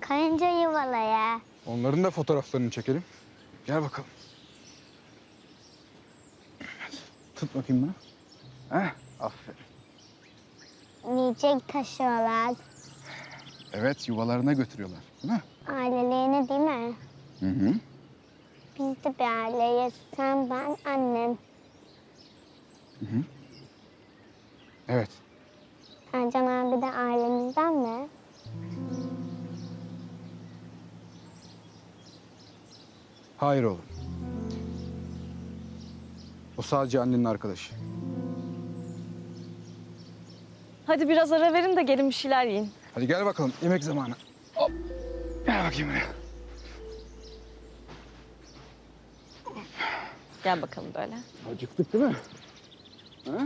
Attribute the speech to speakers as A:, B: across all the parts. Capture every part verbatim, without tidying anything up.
A: Karınca yuvalaya.
B: Onların da fotoğraflarını çekelim. Gel bakalım. Tut bakayım bunu. Heh, aferin.
A: Yiyecek taşıyorlar.
B: Evet, yuvalarına götürüyorlar, değil mi?
A: Ailelerine değil mi?
B: Hı hı.
A: Biz de bir aileyiz. Sen, ben, annem.
B: Hı hı. Evet.
A: Ercan abi de ailemizden mi?
B: Hayır oğlum. O sadece annenin arkadaşı.
C: Hadi biraz ara verin de gelin bir şeyler yiyin.
B: Hadi gel bakalım, yemek zamanı. Hop. Gel bakayım buraya.
C: Gel bakalım böyle.
B: Acıktık değil mi? Ha?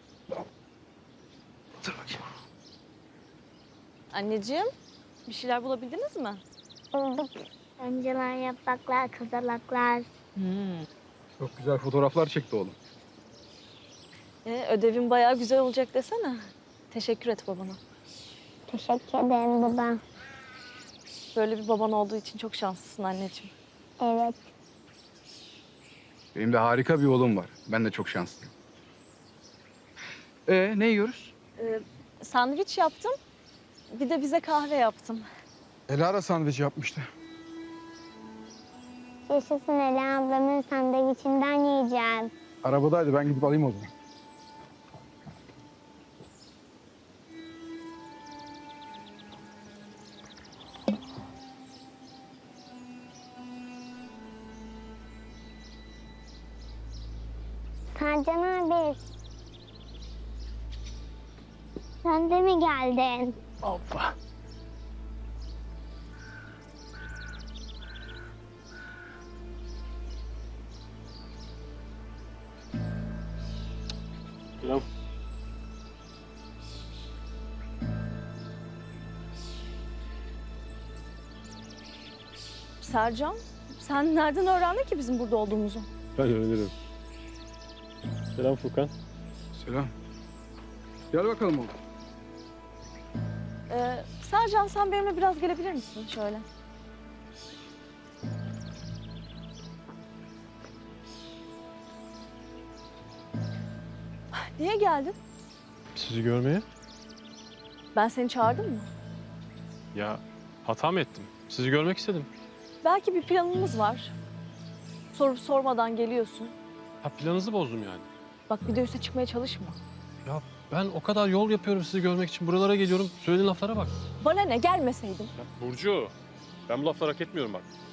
B: Otur bakayım.
C: Anneciğim, bir şeyler bulabildiniz mi?
A: Bulduk. Önceler, yapraklar, kızılaklar.
C: Hmm.
B: Çok güzel fotoğraflar çekti oğlum.
C: Ee, ödevin bayağı güzel olacak desene. Teşekkür et babana.
A: Teşekkür ederim baba.
C: Böyle bir baban olduğu için çok şanslısın anneciğim.
A: Evet.
B: Benim de harika bir oğlum var. Ben de çok şanslıyım. Ee, ne yiyoruz?
C: Ee, sandviç yaptım. Bir de bize kahve yaptım.
B: Elara sandviç yapmıştı.
A: Yaşasın Ela ablamın sandviçinden yiyeceğim.
B: Arabadaydı, ben gidip alayım o zaman.
A: Sercan abi. Sen de mi geldin?
B: Hoppa.
D: Selam.
C: Sercan, sen nereden öğrendin ki bizim burada olduğumuzu?
D: Ben öğrenirim. Selam Furkan.
B: Selam. Gel bakalım oğlum.
C: Ee, Sercan, sen benimle biraz gelebilir misin şöyle? Niye geldin?
D: Sizi görmeye?
C: Ben seni çağırdım mı?
D: Ya hata mı ettim? Sizi görmek istedim.
C: Belki bir planımız var. Sorup sormadan geliyorsun.
D: Ha, planınızı bozdum yani.
C: Bak bir de üste çıkmaya çalışma.
D: Ya ben o kadar yol yapıyorum sizi görmek için. Buralara geliyorum. Söylediğin laflara bak.
C: Bana ne, gelmeseydin.
D: Ya Burcu, ben bu lafları hak etmiyorum bak.